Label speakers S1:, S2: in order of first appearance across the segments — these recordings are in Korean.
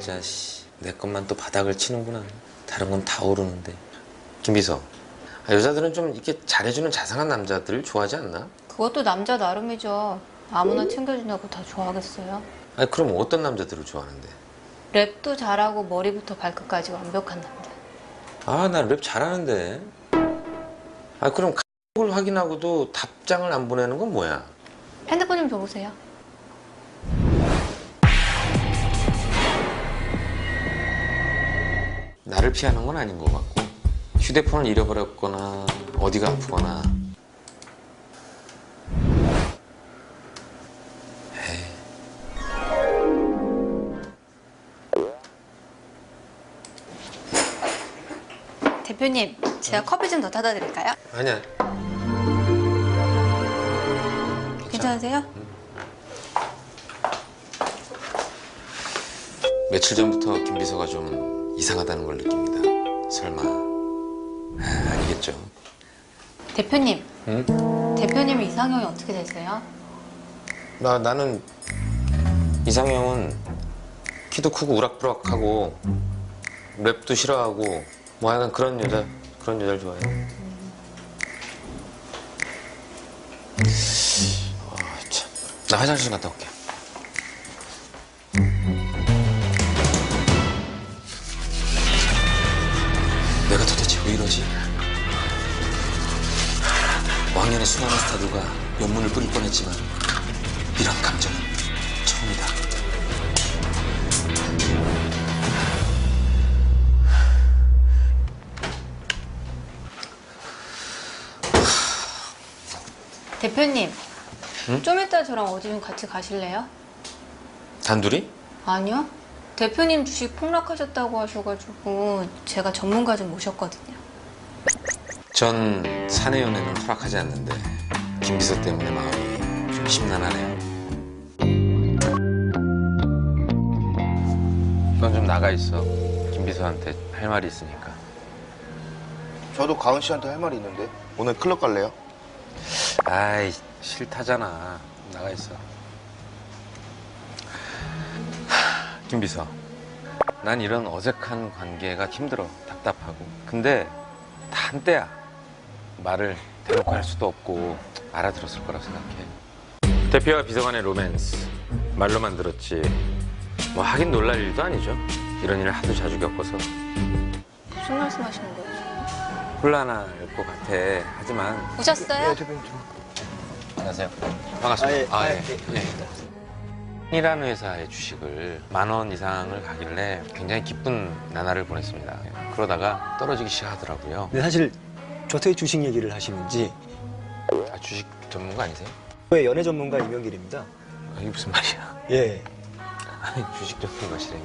S1: 진짜 내 것만 또 바닥을 치는구나. 다른 건 다 오르는데. 김비서, 여자들은 좀 이렇게 잘해주는 자상한 남자들 좋아하지 않나?
S2: 그것도 남자 나름이죠. 아무나 챙겨준다고 다 좋아하겠어요?
S1: 아니 그럼 어떤 남자들을 좋아하는데?
S2: 랩도 잘하고 머리부터 발끝까지 완벽한 남자.
S1: 아, 나 랩 잘하는데. 아, 그럼 을 확인하고도 답장을 안 보내는 건 뭐야?
S2: 핸드폰 좀 줘보세요.
S1: 나를 피하는 건 아닌 것 같고, 휴대폰을 잃어버렸거나 어디가 아프거나. 에이.
S2: 대표님, 제가 커피 좀 더 타다 드릴까요?
S1: 아니야.
S2: 괜찮으세요?
S1: 며칠 전부터 김비서가 좀 이상하다는 걸 느낍니다. 설마 아니겠죠?
S2: 대표님,
S1: 응?
S2: 대표님 이상형이 어떻게 되세요?
S1: 나는 이상형은 키도 크고 우락부락하고 랩도 싫어하고 뭐 약간 그런 여자를 좋아해요. 참. 나 화장실 갔다 올게. 내가 도대체 왜 이러지? 왕년의 수많은 스타들과 연문을 뿌릴 뻔했지만 이런 감정은 처음이다.
S2: 대표님,
S1: 응?
S2: 좀 이따 저랑 어디 좀 같이 가실래요?
S1: 단둘이?
S2: 아니요. 대표님 주식 폭락하셨다고 하셔가지고 제가 전문가 좀 모셨거든요.
S1: 전 사내 연애는 허락하지 않는데 김비서 때문에 마음이 좀 심란하네요. 넌 좀 나가 있어. 김비서한테 할 말이 있으니까.
S3: 저도 가은 씨한테 할 말이 있는데 오늘 클럽 갈래요?
S1: 아이, 싫다잖아. 나가 있어. 김비서, 난 이런 어색한 관계가 힘들어. 답답하고. 근데 다 한때야. 말을 대놓고 할 수도 없고 알아들었을 거라 생각해. 대표와 비서관의 로맨스 말로만 들었지 뭐 하긴 놀랄 일도 아니죠. 이런 일을 하도 자주 겪어서.
S2: 무슨 말씀하시는 거예요?
S1: 혼란할 것 같아. 하지만.
S2: 오셨어요?
S3: 대표님.
S1: 안녕하세요. 반갑습니다.
S3: 아, 예.
S1: 이라는 회사의 주식을 10,000원 이상을 가길래 굉장히 기쁜 나날을 보냈습니다. 그러다가 떨어지기 시작하더라고요.
S4: 근데 사실 저한테 주식 얘기를 하시는지.
S1: 아, 주식 전문가 아니세요?
S4: 왜 연애 전문가 이명길입니다.
S1: 아, 이게 무슨 말이야?
S4: 예.
S1: 아니, 주식 전문가시라며.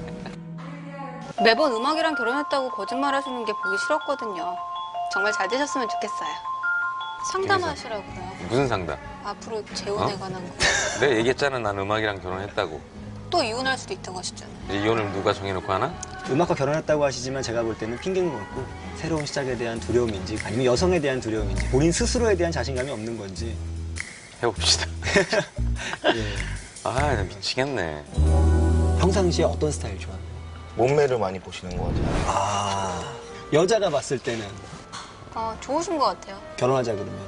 S2: 매번 음악이랑 결혼했다고 거짓말 하시는 게 보기 싫었거든요. 정말 잘 되셨으면 좋겠어요. 상담하시라고요.
S1: 무슨 상담?
S2: 앞으로 재혼에
S1: 어?
S2: 관한 거.
S1: 내가 얘기했잖아. 난 음악이랑 결혼했다고.
S2: 또 이혼할 수도 있다고 하셨잖아요.
S1: 이제 이혼을 누가 정해놓고 하나?
S4: 음악과 결혼했다고 하시지만 제가 볼 때는 핑계인 것 같고 새로운 시작에 대한 두려움인지 아니면 여성에 대한 두려움인지 본인 스스로에 대한 자신감이 없는 건지.
S1: 해봅시다.
S4: 예.
S1: 아, 나 미치겠네.
S4: 평상시에 어떤 스타일 좋아해요?
S3: 몸매를 많이 보시는 것 같아요.
S4: 아, 여자가 봤을 때는
S2: 좋으신 것 같아요.
S4: 결혼하자 그러면.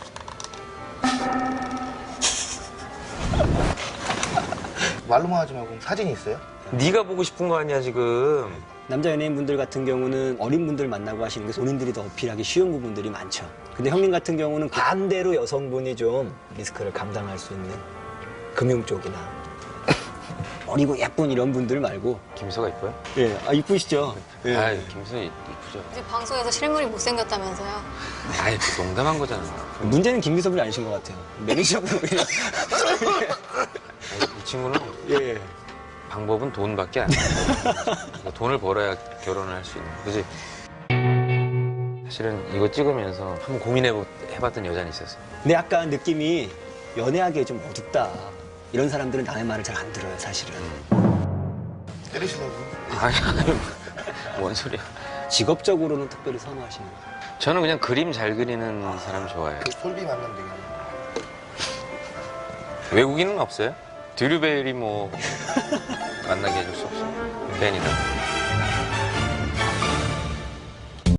S3: 말로만 하지 말고 사진이 있어요?
S1: 네가 보고 싶은 거 아니야 지금.
S4: 남자 연예인분들 같은 경우는 어린 분들 만나고 하시는 게 본인들이 더 어필하기 쉬운 부분들이 많죠. 근데 형님 같은 경우는 반대로 여성분이 좀 리스크를 감당할 수 있는 금융 쪽이나 어리고 예쁜 이런 분들 말고.
S1: 김서가 이뻐요?
S4: 예, 이쁘시죠? 예.
S1: 아, 김서 이쁘죠.
S2: 이제 방송에서 실물이 못생겼다면서요.
S1: 아이, 그 농담한 거잖아.
S4: 문제는 김비서분이 아니신 것 같아요. 매니저분 그냥.
S1: 이 친구는
S4: 예.
S1: 방법은 돈밖에 안 돼. 돈을 벌어야 결혼을 할 수 있는. 그지? 사실은 이거 찍으면서 한번 고민해봤던 여자는 있었어.
S4: 근데 약간 느낌이 연애하기에 좀 어둡다. 이런 사람들은 남의 말을 잘 안 들어요, 사실은.
S3: 때리시려고?
S1: 아니, 뭔 소리야.
S4: 직업적으로는 특별히 선호하시는 거예요.
S1: 저는 그냥 그림 잘 그리는 사람 좋아해요.
S3: 그 솔비 만나면 되겠네.
S1: 외국인은 없어요? 드류베리 뭐 만나게 해줄 수 없어. 벤이다.